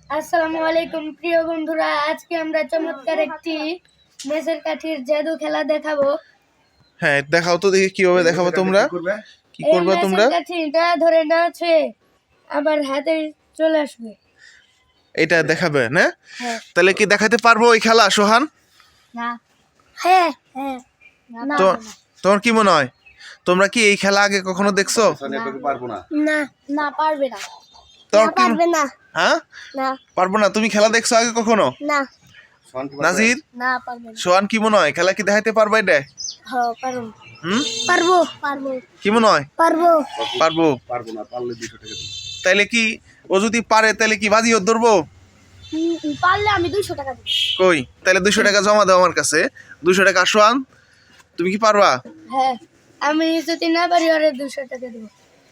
আসসালামু আলাইকুম প্রিয় বন্ধুরা, আজকে আমরা চমৎকার একটি মেসের কাঠির জাদু খেলা দেখাবো। হ্যাঁ, দেখাও তো দেখি কিভাবে দেখাবো। তোমরা কি করবে? তোমরা কাঠিটা ধরে নাচে আবার হাতে চলে আসবে, এটা দেখাবে না? হ্যাঁ। তাহলে কি দেখাতে পারবো এই খেলা, সোহান? না। হ্যাঁ হ্যাঁ। তো তোমার কি মনে হয়, তোমরা কি এই খেলা আগে কখনো দেখছো? না না, পারবে না। তোমার কি পারবে না। হ্যাঁ, না পারবো না। তুমি খেলা দেখছো আগে কখনো? না। নাজির, না পারবে না। সোহান কি মনে হয় খেলা কি দেখাতে পারবে এটা? হ্যাঁ পারবো। পারবো। কি মনে হয়? পারবো। পারবো না, পারলে 200 টাকা দিই। তাইলে কি ও যদি পারে তাহলে কি বাজি ওর ধরবো? পারলে আমি 200 টাকা দেব। কই, তাহলে 200 টাকা জমা দাও আমার কাছে। 200 টাকা। সোহান, তুমি কি পারবা? হ্যাঁ, আমি যদি না পারি ওরে 200 টাকা দেব।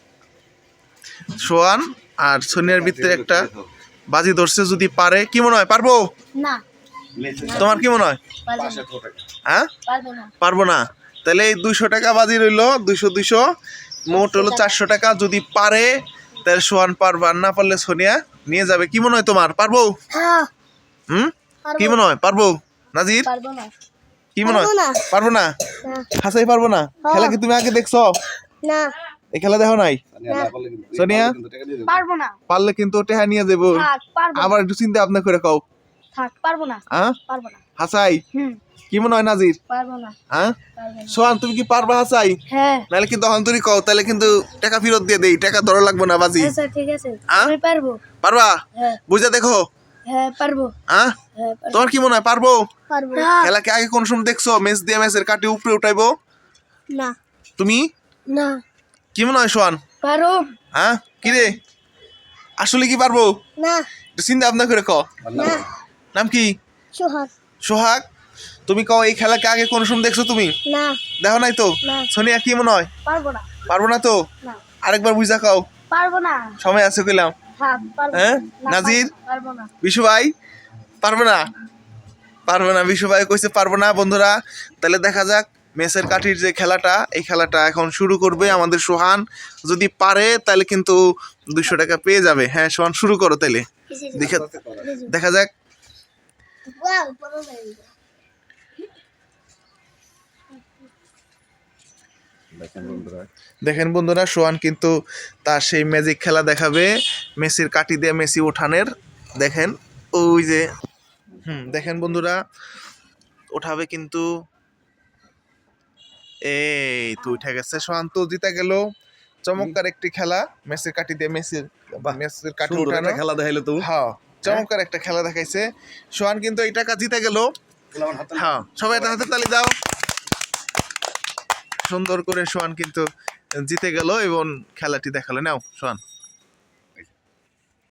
সোহান আর সোনিয়ার ভিতরে একটা বাজি ধরছে, যদি পারে। কি মনে হয় পারবো? না। তোমার কি মনে হয়? হ্যাঁ, পারবো না। তাহলে এই 200 টাকা বাজি রইলো, 200 মোট হলো 400 টাকা। যদি পারে তাহলে সোহান পারবা, আর না পারলে সোনিয়া নিয়ে যাবে। কি মনে হয় তোমার, পারবো? কি মনে হয় পারবো? নাজির, কি মনে হয়? পারবো না। হাসাই পারবো না। খেলা কি তুমি আগে দেখছো? না। এই খেলা দেখো নাই? সোনিয়া, পারবো না। পারলে কিন্তু টেহা নিয়ে যাবো। আবার একটু চিন্তা ভাবনা করে কও। পারবো না। হ্যাঁ, পারবো না। হাসাই, কি মনে হয় নাজির? পারবো না। হ্যাঁ, সোহান তুমি কি পারবা হাসাই? হ্যাঁ। নাহলে কিন্তু অন্তরি কও, তাহলে কিন্তু টাকা ফেরত দিয়ে দেই। টাকা ধরা লাগবে না বাজি। আচ্ছা ঠিক আছে, আমি পারবো। পারবা? হ্যাঁ। বুঝা দেখো। হ্যাঁ পারবো। হ্যাঁ, তোমার কি মনে হয় পারবো? পারবো। খেলা কি আগে কোন সময় দেখছো মেস দিয়ে মেসের কাটি উপরে উঠাইবো? না। তুমি না। কি মনে হয় সোহান? পারো। হ্যাঁ, কি রে, আসলে কি পারবো? না। একটু চিন্তা ভাবনা করে কও। না। নাম কি? সোহাগ। সোহাগ, তুমি কও এই খেলা কি আগে কোন সময় দেখছো তুমি? না। দেখো নাই তো? না। সোনিয়া কি মনে হয়? পারবো না। পারবো না তো? না। আরেকবার বুঝা কও। পারবো না। সময় আছে কইলাম। হ্যাঁ, নাজির, পারবো না। বিশু ভাই, পারবে না? পারবে না, বিশু ভাই কইছে পারবো না। বন্ধুরা, তাহলে দেখা যাক মেসের কাঠির যে খেলাটা, এই খেলাটা এখন শুরু করবে আমাদের সোহান। যদি পারে তাহলে কিন্তু 200 টাকা পেয়ে যাবে। হ্যাঁ সোহান, শুরু করো তাহলে। দেখা যাক। দেখেন বন্ধুরা, সোহান কিন্তু তার সেই ম্যাজিক খেলা দেখাবে, মেসির কাঠি দিয়ে মেসি ওঠানের। দেখেন ওই যে, দেখেন বন্ধুরা, ওঠাবে কিন্তু। এই তো উঠে গেছে, সোহান তো জিতে গেল। চমৎকার একটি খেলা, মেসির কাঠি দিয়ে মেসির কাঠি ওঠানো খেলা দেখাইলো তো। হ্যাঁ, চমৎকার একটা খেলা দেখাইছে সোহান, কিন্তু এই টাকা জিতে গেল। হ্যাঁ, সবাই একটা হাতে তালি দাও। সুন্দর করে সোহান কিন্তু জিতে গেল এবং খেলাটি দেখালো। নাও সোহান।